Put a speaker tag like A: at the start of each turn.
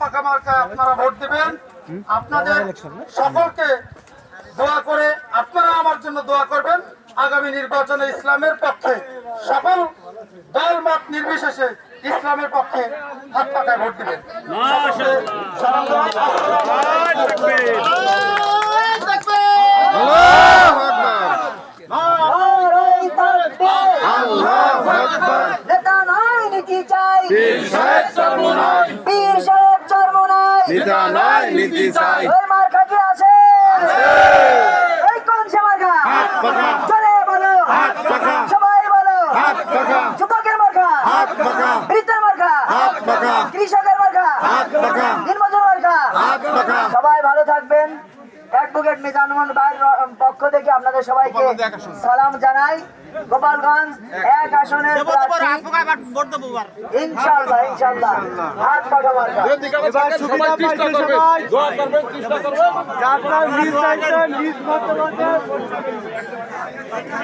A: পাকা মার্কায় আপনারা ভোট দিবেন। আপনাদের সকলকে দোয়া করে আপনারা আমার জন্য দোয়া করবেন। আগামী নির্বাচনে ইসলামের পক্ষে সকল দল মত নির্বিশেষে ইসলামের পক্ষে হাত পাকায় ভোট দিবেন।
B: যুবকের মার্কা, বৃদ্ধের মার্কা, কৃষকের মার্কা, দিনমজুর মার্কা। সবাই ভালো থাকবেন। অ্যাডভোকেট মিজানুর ভাইয়ের পক্ষ থেকে আপনাদের সবাইকে সালাম জানাই। গোপালগঞ্জ 1 আসনের ইনশাআল্লাহ ইনশাআল্লাহ হাত পাকা মার্কা।
C: এবার সুবিধা পাইছে সবাই, দোয়া করবেন, চেষ্টা করবেন, যার যার নিজ দায়িত্বে নিজ মতামতে